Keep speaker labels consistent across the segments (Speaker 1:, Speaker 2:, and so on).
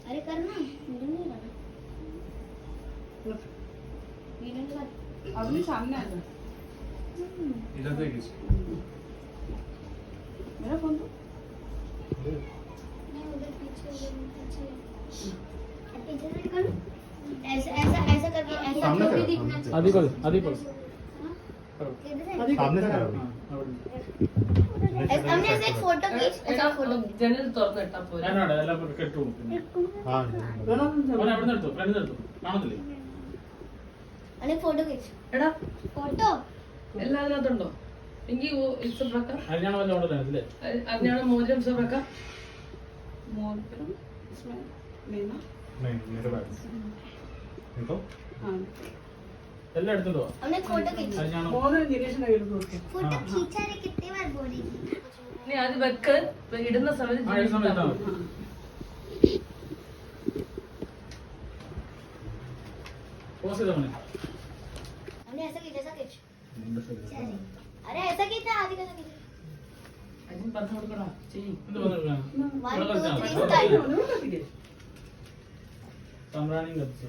Speaker 1: अरे करना वीडियो नहीं करना वीडियो नहीं कर
Speaker 2: अभी सामने आ जा
Speaker 3: इधर देखिए
Speaker 2: मेरा फोन तो
Speaker 1: नहीं उधर पीछे पीछे से करो ऐसा ऐसा ऐसा करके ऐसा
Speaker 3: सामने
Speaker 1: जो भी
Speaker 3: करो,
Speaker 1: दिखना
Speaker 3: सामने।
Speaker 1: चाहिए
Speaker 3: आदि बोल
Speaker 1: हाँ? किधर है?
Speaker 3: सामने से करो
Speaker 1: हमने ऐसे एक फोटो खींच ऐसा फोटो
Speaker 2: ജനൽ തുറന്നിട്ടാ പോരെ
Speaker 3: ഞാനാണ് എല്ലാം കെട്ടു हाँ അവിടെ നിർത്തും ഫ്രണ്ട് നിർത്തും കാണത്തില്ലേ
Speaker 1: अरे फोटो खींच
Speaker 2: എടാ
Speaker 1: फोटो
Speaker 2: എല്ലാം അതിനകത്തുണ്ടോ എങ്കിൽ ഇഷ്ടപ്രക്ക
Speaker 3: ഹരിയാണ വല്ല ഓർഡർ അല്ലേ
Speaker 2: അതിനാണ് മോതിരം ഇഷ്ടപ്രക്ക മോതിരം മീന
Speaker 3: नहीं मेरे बैग देखो
Speaker 2: हाँ
Speaker 3: എല്ലാം എടുത്തിട്ടോ
Speaker 1: हमने फोटो खींच
Speaker 3: ഹരിയാണ
Speaker 2: മോതിരം നിരീക്ഷണ എടുത്തു
Speaker 1: फोटो खींचा रे कितनी बार बोलेगी
Speaker 2: നീ അത് വെക്ക് ഇടുന്ന സമയത്ത്
Speaker 3: ആ ഇടുന്ന സമയത്ത് പോസ്റ്റ് ചെയ്തോ മോനെ
Speaker 1: हमने ऐसा खींचा चले अरे ऐसा खींचा आदि कैसा खींचा
Speaker 2: അതിന് പറഞ്ഞു കൊടുക്കടാ ചെയ്യ്
Speaker 3: എന്ത് പറഞ്ഞു
Speaker 1: 1 2 3 स्टार्ट
Speaker 3: സംറാണി കത്തിച്ചു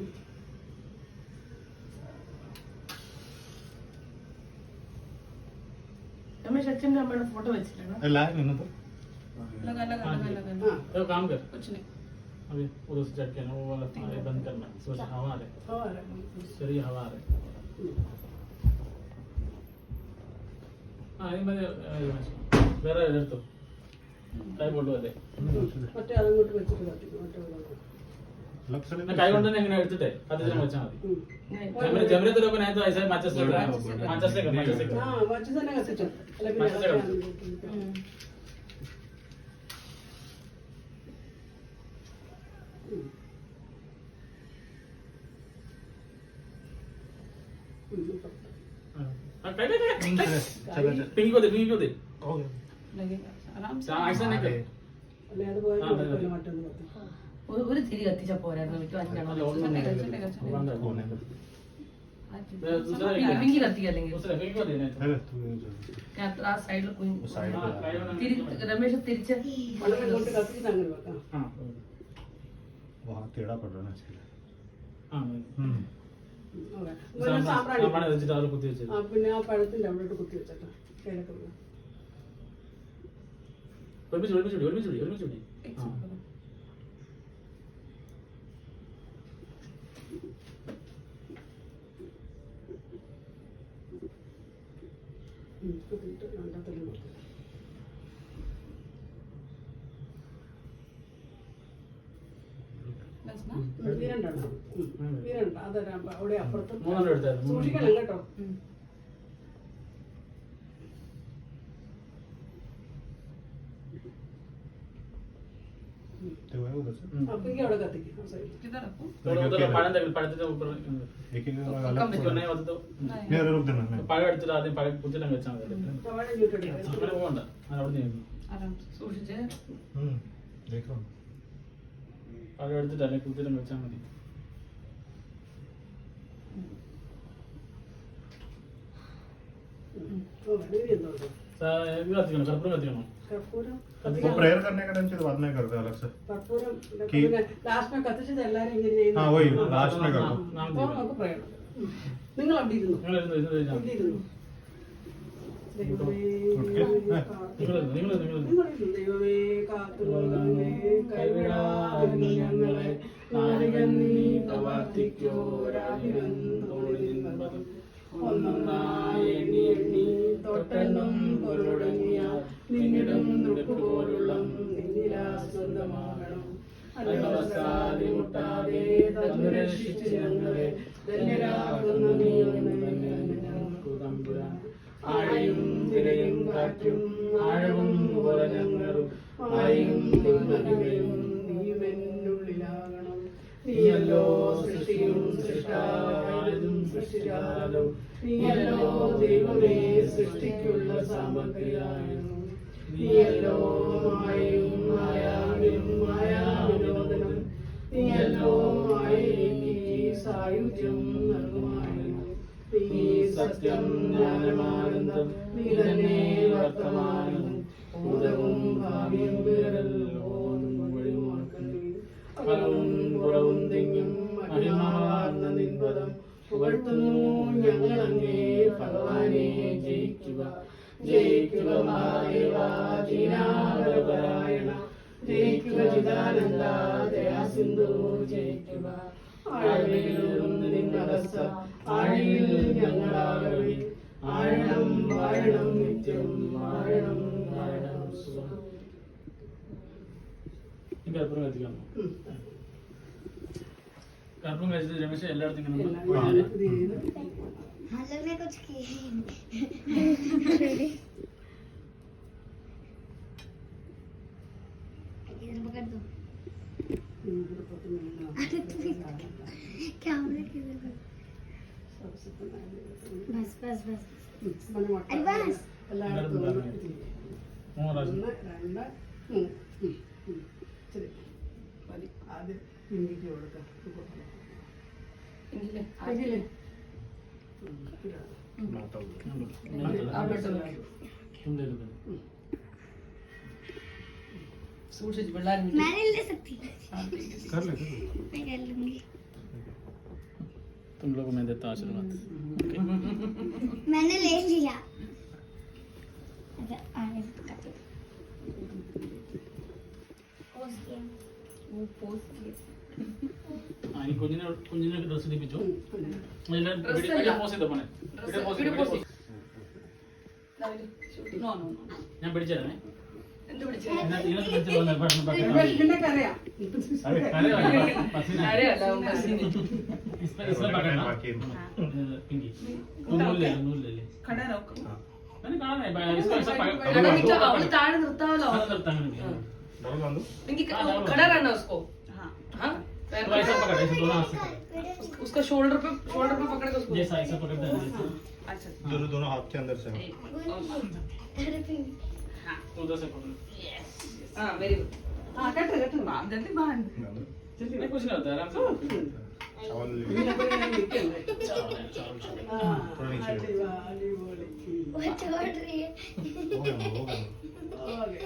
Speaker 2: രമേശ് അച്ഛൻ്റെ അമ്മയുടെ ഫോട്ടോ വെച്ചിട്ടാണ്
Speaker 3: എല്ലാരും ഇന്നത്തെ
Speaker 2: लगा लगा लगा लगा
Speaker 3: तो काम कर
Speaker 2: कुछ नहीं
Speaker 3: अभी उधर से चेक करना वो वाला ये बंद करना सोच हवा आ रही चलिए हवा आ रही हाँ ये मैंने വേറെ എടുത്തു കൈ കൊണ്ടുവല്ലേ
Speaker 2: മറ്റേ അതങ്ങോട്ട് വെച്ചിട്ട് കത്തിക്കും
Speaker 3: കൈ കൊണ്ട് തന്നെ എങ്ങനെ എടുത്തിട്ടേ അത് ഞാൻ വെച്ചാൽ മതി ജമരത്ത് लोग नहीं तो ऐसे मैचेस लग रहा है मैचेस से
Speaker 2: हाँ बच्चे से ना कसिटो
Speaker 3: मैचेस से पिंकी को दे हो गया
Speaker 2: लगेगा आराम से
Speaker 3: ऐसा नहीं कर
Speaker 2: അല്ലെ അത് പോയാൽ മറ്റൊന്ന് കത്തിക്കും ഒരു തിരി കത്തിച്ചാ പോരായിരുന്നു എനിക്ക് പിങ്കി കത്തിക്കുക അല്ലെങ്കിൽ
Speaker 3: दूसरा पिंकी को देना है
Speaker 2: ഞാൻ ആ സൈഡിൽ
Speaker 3: साइड
Speaker 2: രമേശ് തിരിച്ച് വളരെ കൊണ്ട് കത്തിച്ചിട്ട് അങ്ങനെ വെക്കാം
Speaker 3: हाँ
Speaker 4: वहाँ टेढ़ा पड़ रहा है ना इसके लिए
Speaker 3: हाँ
Speaker 2: സാമ്പ്രാണി
Speaker 3: സാമ്പാണ് വെച്ചിട്ട് അത് കുത്തി വെച്ചത്
Speaker 2: ആ പിന്നെ ആ പഴത്തിന്റെ അവിടോട്ട് കുത്തി വെച്ചേക്കാം കിഴക്ക്
Speaker 3: ഒരുമിച്ച് ആ
Speaker 2: കുത്തിയിട്ട് രണ്ടാമത്തെ നോക്കാം വീരണ്ടാണ് വീരണ്ട അതൊരു അവിടെ അപ്പുറത്ത്
Speaker 3: മൂന്നെണ്ണം എടുത്തായിരുന്നു
Speaker 2: സൂക്ഷിക്കണം കേട്ടോ
Speaker 4: तो है उधर से
Speaker 2: അപ്പിക്ക് അവിടെ കത്തിക്കും ആ സൈഡിൽ
Speaker 3: പഴത്തിന്റെ
Speaker 4: एक एक
Speaker 3: ऊपर
Speaker 4: अलग
Speaker 3: नहीं होता तो
Speaker 4: नहीं अरे रुक देना मैं
Speaker 3: പഴം എടുത്തിട്ട് ആദ്യം പഴം കുത്തിട്ടങ്ങ് വെച്ചാൽ മതി
Speaker 2: അവിടെ ചുറ്റെടുക്കാം
Speaker 3: അങ്ങനെ പോകണ്ട ഞാൻ അവിടെ നിന്ന്
Speaker 2: സൂക്ഷിച്ച്
Speaker 4: देख रहा हूँ
Speaker 3: പഴം എടുത്തിട്ട് അല്ലെങ്കിൽ കുത്തിട്ടങ്ങ് വെച്ചാൽ മതി
Speaker 2: വീര്യം നോക്കാം
Speaker 3: ഇത് കത്തിക്കണം കർപ്പൂരം കത്തിക്കണം
Speaker 2: കർപ്പൂരം
Speaker 4: वो प्रेयर करने का टाइम से बाद में करते हैं अलग से
Speaker 2: കർപ്പൂരം ലാസ്റ്റ് കത്തിച്ചത് എല്ലാരും ഇങ്ങനെ ചെയ്യുന്നു.
Speaker 4: हाँ वही लास्ट में कर दो
Speaker 2: അപ്പോൾ നമുക്ക് പ്രേരണം നിങ്ങൾ അവിടെ ഇരുന്നു
Speaker 3: നിങ്ങൾ ഇരുന്ന്
Speaker 2: അവിടെ ഇരുന്നു ദൈവമേ ദൈവമേ കാത്തുകൊള്ളണമേ കൈവിടാതെ ഞങ്ങളെ നാരികൻ നീ പ്രവർത്തിക്കോരാഹിരം തോളിനിന്നതും ഒന്നൊന്നായി എണ്ണി എണ്ണി തൊട്ടെണ്ണം പൊരുടങ്ങിയ നിന്നിടും നുടുപ്പ് പോലുള്ള നിന്നിലാ സ്വന്തമാകണം അനവസാദി മുട്ടാതെ തന്നു രക്ഷിച്ച് ഞങ്ങളെ ധന്യരാകുന്ന നീ ഞങ്ങൾക്ക് തമ്പുരാൻ ആഴയും തിരയും കാറ്റും ആഴവും പോലെ ഞങ്ങളും ആയും മഹിമയും നീവെന്നുള്ളിലാകണം നീയല്ലോ സൃഷ്ടിയും സൃഷ്ടാവായതും സൃഷ്ടിച്ചാലും നീയല്ലോ ദൈവമേ സൃഷ്ടിക്കുള്ള സാമഗ്രിയായിരുന്നു നീയല്ലോ മായയും മായാവിനും മായാവിനോദനം നീയല്ലോ മായയ്ക്ക് സായുജ്യം നൽകുമായിരുന്നു നീ സത്യം ജ്ഞാനമാനന്ദം നീ തന്നെ വർത്തമാനം ഭൂതവും ഭാവിയും വേറല്ലോ വഴിയുമാക്കുന്നു അകവും പുറവും തിങ്ങും മഹിമാർന്ന നിൻപദം പുകഴ്ത്തുന്നു ഞങ്ങളങ്ങേ ഭഗവാനെ ജയിക്കുക ജയിക്കുക മഹാദേവ ദീനാവരപരായണ ജയിക്കുക ചിദാനന്ദ ദയാസിന്ധു ജയിക്കുക ആഴിയിലും നിന്നകസ ആഴിയിൽ ഞങ്ങളാകവി ആഴണം വാഴണം നിത്യം വാഴണം വാഴണം സുഖം.
Speaker 3: കർപ്പൂരം കത്തിക്കാമോ? കർപ്പൂരം കഴിച്ചിട്ട് രമേശ് എല്ലായിടത്തും ഇങ്ങനെ
Speaker 2: എല്ലാം
Speaker 3: ഒന്ന്
Speaker 2: ഇത് ചെയ്ത്
Speaker 1: हम लोग ने कुछ किया ही नहीं इधर पकड़ दो
Speaker 2: ഇവിടെ പത്ത് മിനിറ്റ്
Speaker 1: क्या हो रहा है किधर बस बस बस Advance.
Speaker 2: എല്ലായിടത്തും
Speaker 3: മൂന്ന് പ്രാവശ്യം.
Speaker 2: 1 2 3 ശരി മതി ആദ്യം പിങ്കിക്ക് കൊടുക്കാം പിങ്കില്
Speaker 5: സൂക്ഷിച്ച് പിള്ളേരും
Speaker 1: मैं नहीं ले सकती
Speaker 4: कर ले
Speaker 1: मैं कर लूंगी
Speaker 3: तुम लोग को मैं देता हूँ आशीर्वाद.
Speaker 1: मैंने ले लिया अच्छा आगे पकड़ दो पोस्ट गेम
Speaker 5: वो पोस्ट किए
Speaker 3: ആ ഈ കുഞ്ഞിനെ ഡ്രസ് ഇടിപ്പിച്ചു.
Speaker 5: Dress
Speaker 3: വീഡിയോ
Speaker 5: അല്ല.
Speaker 3: പോസ് ചെയ്തോ പോണെ. വീഡിയോ പോസ്
Speaker 5: വീഡിയോ പോസ്
Speaker 3: ചെയ്തോ.
Speaker 5: നോ നോ
Speaker 3: ഞാൻ പിടിച്ചേരണേ.
Speaker 5: എന്ത് പിടിച്ചേ
Speaker 3: ഇതിനകത്ത് പിടിച്ച് പോകുന്ന പെട്ടെന്ന് പെട്ടെന്ന്.
Speaker 2: നിനക്കറിയാം
Speaker 3: अरे पसीना
Speaker 5: ആരെയല്ല ബസ്സിന്
Speaker 3: इसमें पकड़ना पिंकी तू नूल ले ले
Speaker 5: खड़ा रहो
Speaker 3: मैंने कहा नहीं इसको ऐसा पकड़
Speaker 5: खड़ा निकलो അവള് താഴെ നിർത്താവല്ലോ
Speaker 3: करता है
Speaker 4: बोल बंदू
Speaker 5: पिंकी खड़ा रहना उसको हाँ हाँ
Speaker 3: तो ऐसा पकड़ ऐसे दोनों हाथ से
Speaker 5: उसका शोल्डर पे पकड़ के उसको
Speaker 3: जैसा ऐसा पकड़ते हैं जैसे
Speaker 5: अच्छा
Speaker 4: दोनों दोनों हाथ के अंदर से
Speaker 5: हाँ
Speaker 3: तो उधर से पकड़
Speaker 5: हाँ वेरी गुड
Speaker 2: ആ കേട്ടോ കേട്ടോ
Speaker 5: जल्दी बाहर
Speaker 3: नहीं कुछ नहीं होता आराम से
Speaker 4: चावल
Speaker 2: ഇതിനൊക്കെ ഞാൻ നിൽക്കണ്ടേ
Speaker 3: चावल चावल
Speaker 2: ആ അടിപൊളി
Speaker 1: वो छोड़ रही है
Speaker 4: हो गया
Speaker 2: ഓക്കേ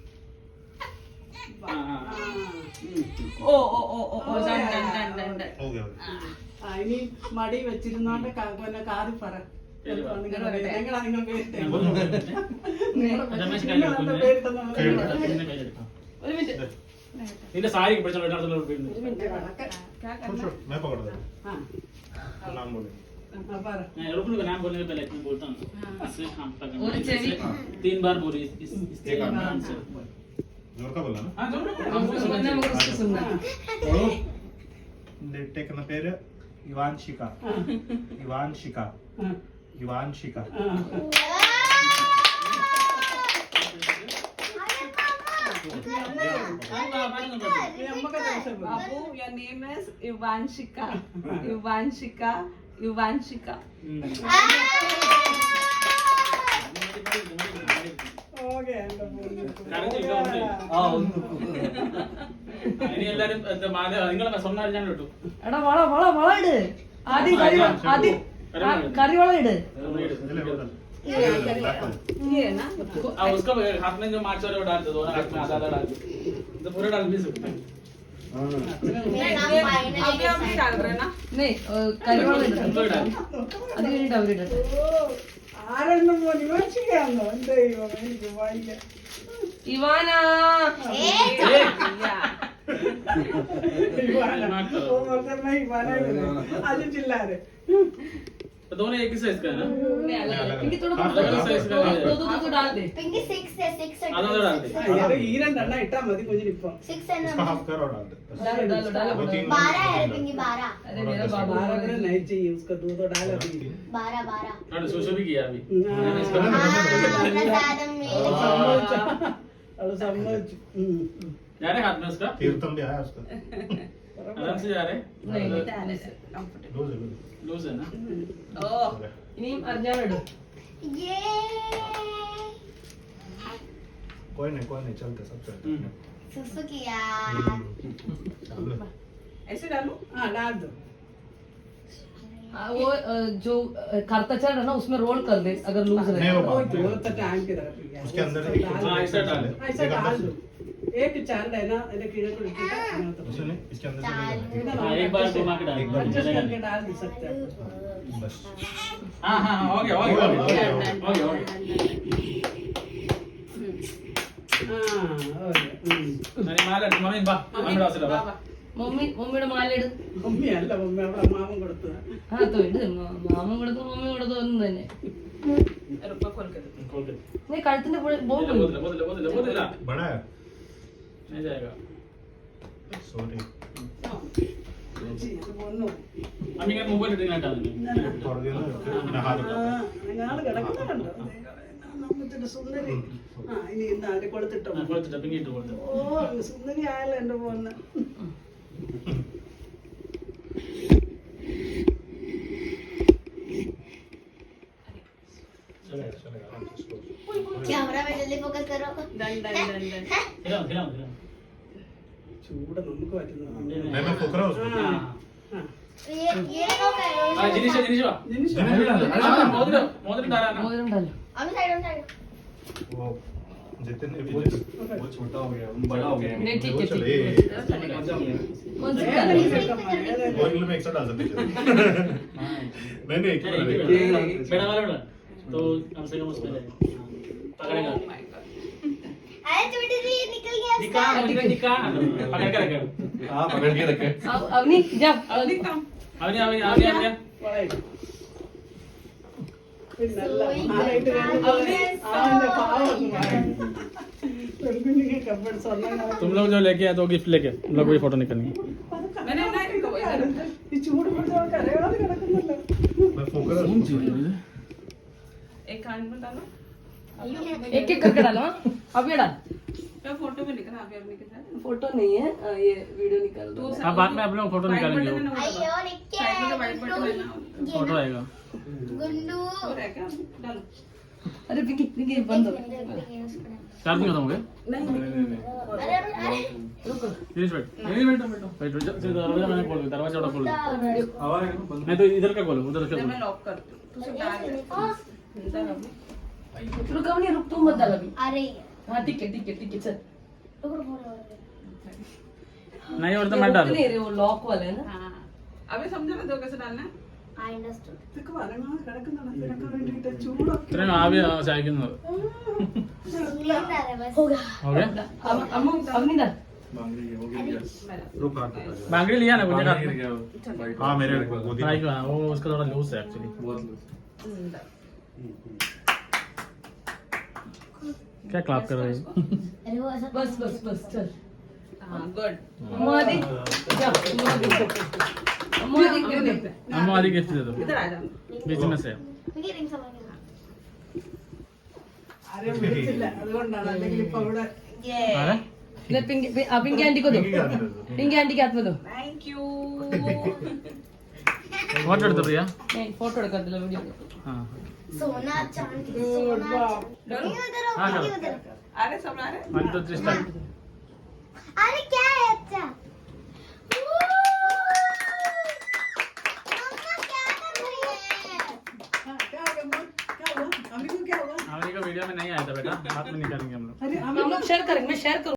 Speaker 3: हाँ हाँ
Speaker 5: ओ ओ ओ ओ ओ done done done done done
Speaker 4: हो गया
Speaker 2: ആ ഇനി മടി വെച്ചിരുന്നോണ്ട് പിന്നെ കാറി പറ ഞങ്ങളാ നിങ്ങൾ പേരിട്ടെ
Speaker 3: रमेश का
Speaker 2: നിങ്ങളെന്താ പേരിട്ടെന്ന്
Speaker 5: ഒരു മിനിറ്റ്
Speaker 3: നിന്റെ സാരി പിടിച്ചോ ഇടാത്തുള്ള പേര്
Speaker 5: क्या
Speaker 4: छोड़
Speaker 5: करना
Speaker 4: छोड़ मैं पकड़ देता
Speaker 2: ആ
Speaker 4: हूं नाम बोले
Speaker 2: ആ പറ
Speaker 3: मैं रुकने का नाम बोलने के पहले मैं बोलता हूँ इससे हम पकड़
Speaker 5: और चेरी?
Speaker 3: 3 बार बोली इस
Speaker 4: एक
Speaker 3: नाम
Speaker 4: आदमी
Speaker 3: से
Speaker 4: जोर का बोला ना
Speaker 3: हाँ जोर
Speaker 5: हमको सुनना है मगर उसको सुनना
Speaker 4: टेकना പേര് ഇവാൻഷിക ഇവാൻഷിക
Speaker 2: ആ
Speaker 4: ഇവാൻഷിക
Speaker 2: ആ അമ്മക്ക് ദിവസം
Speaker 5: बाबू your name is Ivanshika Ivanshika Ivanshika
Speaker 2: okay എന്റെ
Speaker 3: ഇനി എല്ലാരും നിങ്ങളെ സ്വന്തം ഞാൻ കിട്ടും
Speaker 5: എടാ വള ഇട് ആദ്യം കറിവള ഇട് ये है ना
Speaker 3: उसका हाथ में जो मार्च वाले वो डाल दो दोनों हाथ में आधा डाल दो तो पूरा डाल भी सकते हैं
Speaker 5: अभी हम नहीं डाल रहे ना नहीं करिवाला
Speaker 3: तुम लोग डाल
Speaker 5: അത് കഴിഞ്ഞിട്ട് അവരിടട്ടെ
Speaker 2: ആരെണ്ണം പോലെ വിമർശിക്കാന്നോ എന്റെ ദൈവം എനിക്ക് വയ്യ
Speaker 5: ഇവാന
Speaker 2: അത് ചില്ലാരെ
Speaker 3: तो दोनों एक ही साइज का है ना
Speaker 5: पिंकी थोड़ा
Speaker 3: अलग-अलग size का है।
Speaker 5: दो डाल दे
Speaker 1: पिंकी 6 है 6
Speaker 3: आधा आधा डाल दे
Speaker 2: ഈ രണ്ടെണ്ണം ഇട്ടാ മതി കുഞ്ഞിനിപ്പം
Speaker 1: 6 है
Speaker 4: इसका
Speaker 1: ना
Speaker 4: हाफ कर और डाल दे
Speaker 5: डालो
Speaker 4: वो तीन
Speaker 1: 12 है पिंकी 12
Speaker 5: अरे मेरा बाबू
Speaker 2: बारह करे नहीं चाहिए उसका दूध और डाला भी
Speaker 1: 12
Speaker 3: और सोशो भी किया अभी
Speaker 1: प्रसादम में
Speaker 2: और समझ
Speaker 3: जा रहे हाथ में उसका
Speaker 4: तीर्थम भी आया उसका
Speaker 3: आराम से जा रहे
Speaker 5: नहीं कंफर्टेबल
Speaker 4: लूज है
Speaker 3: लूज है ना
Speaker 5: ഓ ഇനിയും അറിഞ്ഞാൽ ഇടും
Speaker 1: ये
Speaker 4: कोई नहीं चलते सब चलते
Speaker 1: सुसु किया
Speaker 5: ऐसे डालूं
Speaker 2: हाँ डाल दो
Speaker 5: वो जो करतचर है ना उसमें रोल कर दे अगर लूज
Speaker 4: नहीं
Speaker 5: रहे
Speaker 4: वो
Speaker 2: वो
Speaker 4: बात
Speaker 2: तो
Speaker 4: है।
Speaker 2: टाइम की तरफ ही है।
Speaker 4: उसके अंदर
Speaker 2: उसको
Speaker 4: एक
Speaker 2: डाल
Speaker 3: हाँ, ऐसा डाल दो।
Speaker 2: ऐसा डाल दो एक चार है ना इधर कीड़े को लिखिएगा
Speaker 4: उसे नहीं इसके अंदर से
Speaker 1: चालू।
Speaker 4: नहीं है।
Speaker 3: हाँ, एक बार घुमा के डाल
Speaker 4: एक बार
Speaker 2: एडजस्ट
Speaker 3: चलेगा
Speaker 2: करके
Speaker 3: नहीं।
Speaker 2: डाल भी सकते हैं
Speaker 4: बस
Speaker 3: हाँ हाँ हाँ, हो गया हो गया हो गया हो गया हो गया
Speaker 2: हो गया
Speaker 3: अरे माला मम्मी बा मम्मी डाल से बा
Speaker 5: മമ്മിയുടെ മാല ഇട്.
Speaker 2: മമ്മി അല്ല മമ്മി അവിടെ മാമൻ കൊടുത്തതാ
Speaker 5: ആ തോ ഇട്. മാമൻ കൊടുത്തു മമ്മി കൊടുത്തു ഒന്നും തന്നെ.
Speaker 3: खोल दे
Speaker 5: നീ കഴുത്തിന്റെ
Speaker 3: बोल
Speaker 5: ബോൾ
Speaker 3: बोल
Speaker 4: बड़ा है
Speaker 3: नहीं जाएगा
Speaker 4: सॉरी
Speaker 3: अम्मी का मोबाइल रिटर्न हटा देंगे
Speaker 4: थोड़ा देर ना हाथ
Speaker 2: ഞങ്ങൾ കിടക്കുന്നുണ്ടോ നമ്മത്തിന്റെ സുന്ദരി ആ ഇനി ഇന്ന് ആര് കൊടുത്തിട്ടോ
Speaker 3: കൊടുത്തിട്ട് പിന്നിട്ട് കൊടുത്തു
Speaker 2: ഓ സുന്ദരി ആയല്ലോ എന്റെ പോന്ന്
Speaker 4: चलेगा चलेगा आराम से इसको
Speaker 1: कैमरा में जल्दी फोकस करो
Speaker 3: खिलाओ खिलाओ खिलाओ
Speaker 2: ചൂട് നമുക്ക് പറ്റുന്നു
Speaker 4: मैं फूक रहा हूँ उसको
Speaker 1: ये कौन है
Speaker 3: हाँ जिनिश जिनिश वा
Speaker 2: ജിനിഷ
Speaker 3: हाँ मोदर मोदर डाला ना
Speaker 5: മോതിരം ഉണ്ടല്ലോ.
Speaker 1: अभी साइड
Speaker 4: वो जितने भी
Speaker 6: वो छोटा हो गया बड़ा हो गया
Speaker 5: नहीं, ठीक
Speaker 4: वो
Speaker 5: है,
Speaker 4: चले
Speaker 5: कौन सी
Speaker 2: ഏതാ
Speaker 5: कलर?
Speaker 2: ഈ ചെക്കൻ ഏതാ
Speaker 4: ऑयल में एक साथ डाल सकते हैं नहीं एक
Speaker 3: चल,
Speaker 4: ही
Speaker 3: एक
Speaker 4: डाल
Speaker 3: मिनट। बड़ा वाला बड़ा तो कम से कम उसमें जाएगा पकड़ेगा
Speaker 1: अरे छोटी सी निकल गया
Speaker 3: निका निका पकड़ के रखे
Speaker 6: हाँ पकड़ के रखे
Speaker 5: അവനി जा
Speaker 3: അവനി അവനി അവനി അവനി
Speaker 2: പിന്നല്ല ആരായിട്ട് അവന്റെ പാവം പെൺകുഞ്ഞിಗೆ കപ്പൻ സ്വർണ്ണം
Speaker 3: तुम लोग जो लेके आए तो गिफ्ट लेके हम लोग भी फोटो निकालनी
Speaker 2: ഈ ചൂട് പിടിച്ചവർക്ക് അറിയാതെ കിടക്കുന്നല്ലോ
Speaker 4: मैं फूक रहा हूँ उसको
Speaker 5: एक एक करके डालो. हाँ? अभी डाल. फोटो नहीं है ये वीडियो निकाल दो.
Speaker 3: हाँ बाद में आप लोग फोटो निकालेंगे वो
Speaker 1: अयो निक्के
Speaker 3: फोटो आएगा
Speaker 1: गुंडू
Speaker 5: अरे पिंकी पिंकी बंद हो.
Speaker 3: चार्जिंग खत्म हो गया
Speaker 1: अरे अरे
Speaker 3: दिनेश वेट नहीं बैठो बैठो बैठो दरवाजा मैंने खोल दिया दरवाजा उड़ा खोल दिया नहीं तो इधर का खोलो उधर का खोलो
Speaker 5: रुक अवनी रुक तुम मत डाल अभी.
Speaker 1: अरे
Speaker 5: हाँ ठीक है चल.
Speaker 3: नहीं और तो
Speaker 5: ये
Speaker 3: मैं
Speaker 5: रुक
Speaker 3: डाल
Speaker 5: नहीं रहे वो लॉक वाले है ना.
Speaker 2: अभी समझा ना दो कैसे डालना
Speaker 1: आई अंडरस्टूड
Speaker 2: ഇതൊക്കെ വരങ്ങാതെ കിടക്കുന്നതാണ് ഇതിനൊക്കെ വേണ്ടിയിട്ട് ചൂടൊക്കെ
Speaker 3: ഇത്രയും ആവി ചായക്കുന്നത്
Speaker 1: हो गया
Speaker 3: हो गया
Speaker 5: अवनी डाल.
Speaker 4: रुक हाथ
Speaker 3: बांगड़ी लिया ना मुझे हाथ में
Speaker 4: हाँ मेरे गोदी
Speaker 3: ट्राई किया वो उसका थोड़ा लूज है एक्चुअली
Speaker 6: बहुत लूज
Speaker 3: क्या क्लैप कर रहे हो
Speaker 1: अरे वो ऐसा
Speaker 5: बस चल. गुड. मोदी जा मोदी कर दे.
Speaker 3: हम आधी गिफ्ट दे दो बीच में से
Speaker 1: मुझे रिंग समझ गया
Speaker 2: ആരെയും വിളിച്ചില്ല അതുകൊണ്ടാണ് അല്ലെങ്കിൽ ഇപ്പൊ അവിടെ
Speaker 3: अरे
Speaker 5: इधर पिंकी पिंकी आंटी को दो. पिंकी आंटी के हाथ में दो.
Speaker 3: व्हाट कर दो भैया
Speaker 5: नहीं फोटो कर दो वीडियो.
Speaker 3: हां
Speaker 1: सोना चांदी सोना चांदी उधर
Speaker 3: हाँ,
Speaker 1: हो
Speaker 3: करो।
Speaker 1: उधर
Speaker 2: ആരെ സമ്മാനം
Speaker 3: 1 2 3 स्टार्ट
Speaker 1: अरे क्या है अच्छा मम्मा क्या कर रही है
Speaker 2: क्या हो गया क्या हुआ अम्मी को क्या हुआ
Speaker 3: हमारे को वीडियो में नहीं आया था बेटा हाथ में निकालेंगे हम लोग
Speaker 2: अरे
Speaker 5: हम लोग शेयर करेंगे मैं शेयर करूँ.